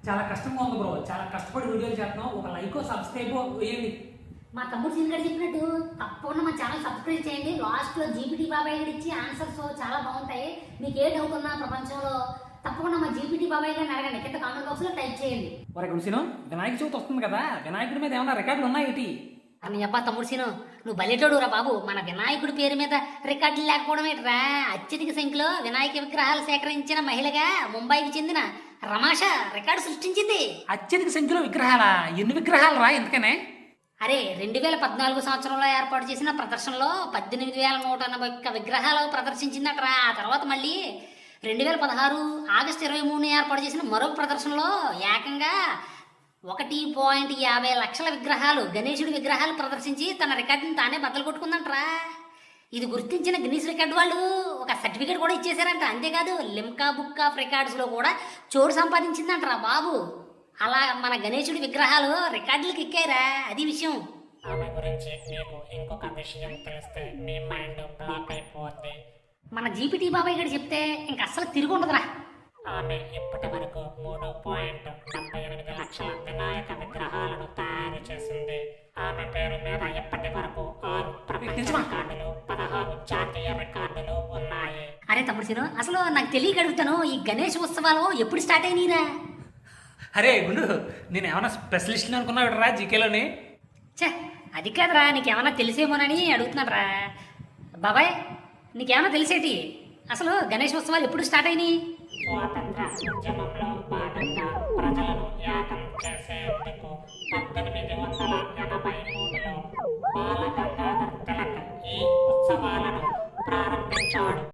చాలా కష్టంగా ఉంది బ్రో. చాలా కష్టపడి వీడియోలు చేస్తున్నాం. ఒక లైక్ సబ్స్క్రైబ్ వేయండి. మా తమ్ముడు సీన్ గారు చెప్పినట్టు తప్పకుండా మా ఛానల్ సబ్స్క్రైబ్ చేయండి. లాస్ట్లో జీపీటీ బాబాయ్ గారు ఇచ్చి ఆన్సర్స్ చాలా బాగుంటాయి. మీకు ఏ డౌట్ ఉన్నా ప్రపంచంలో తప్పకుండా మా జీపీటీ బాబాయ్ గారిని అడగండి. కింద కామెంట్ బాక్స్ లో టైప్ చేయండి. ఒరే గుడిసిను, వినాయక చవితి వస్తుంది కదా, వినాయకుడి మీద ఏమైనా రికార్డులు ఉన్నాయేటి? అని అబ్బా తమ్ముడు సీను, నువ్వు బలెటోడు రా బాబు. మన వినాయకుడి పేరు మీద రికార్డులు లేకపోవడం ఏంట్రా? అత్యధిక సంఖ్యలో వినాయక విగ్రహాలు సేకరించిన మహిళగా ముంబైకి చెందిన రమాష రికార్డు సృష్టించింది. అత్యధిక సంఖ్యలో విగ్రహాలా? ఎన్ని విగ్రహాలు రా ఎందుకనే? అరే 2014 సంవత్సరంలో ఏర్పాటు చేసిన ప్రదర్శనలో 18,181 విగ్రహాలు ప్రదర్శించిందట్రా. ఆ తర్వాత మళ్ళీ 2016 ఆగస్టు 23 ఏర్పాటు చేసిన మరొక ప్రదర్శనలో ఏకంగా 1.50 లక్షల విగ్రహాలు, గణేశుడి విగ్రహాలు ప్రదర్శించి తన రికార్డుని తానే బద్దలు కొట్టుకుందంట్రా. ఇది గుర్తించిన గిన్నీస్ రికార్డు వాళ్ళు ఒక సర్టిఫికేట్ కూడా ఇచ్చేసారంట. అంతేకాదు లిమ్కా బుక్ ఆఫ్ రికార్డ్స్లో కూడా చోటు సంపాదించిందంట్రా బాబు. అలా మన గణేశుడి విగ్రహాలు రికార్డులకు ఎక్కాయిరా. అది విషయం. ఆమె గురించి మీకు ఇంకొక విషయం తెలిస్తే మీ మైండ్ బ్లాక్ అయిపోద్ది. మన జీపీటీ బాబాయ్ గారు చెప్తే ఇంక అస్సలు తిరిగి ఉండదురా. ఆమె ఇప్పటి వరకు 3.78 లక్షల వినాయక విగ్రహాలను తయారు చేసింది. ఆమె పేరు మీద ఇప్పటి వరకు 6 ప్రపంచ రికార్డులు, 16 జాతీయ రికార్డులు ఉన్నాయి. అరే తమ్ముడు సీను, అసలు నాకు తెలియక అడుగుతాను, ఈ గణేష్ ఉత్సవాలు ఎప్పుడు స్టార్ట్ అయినాయిరా? అరే గుండు, నేను ఏమైనా స్పెషలిస్ట్ అనుకున్నావు రా జీకేలోని? ఛే, అది కాదురా, నీకేమన్నా తెలిసేమోనని అడుగుతున్నారా. బాబాయ్ నీకేమన్నా తెలిసేటి? అసలు గణేష్ ఉత్సవాలు ఎప్పుడు స్టార్ట్ అయినాయి? స్వాతంత్ర ఉద్యమంలో భాగంగా ప్రజలను యాగం చేసేందుకు 1883లో బాల గంగాధర్ తిలక్ ఈ ఉత్సవాలను ప్రారంభించాడు.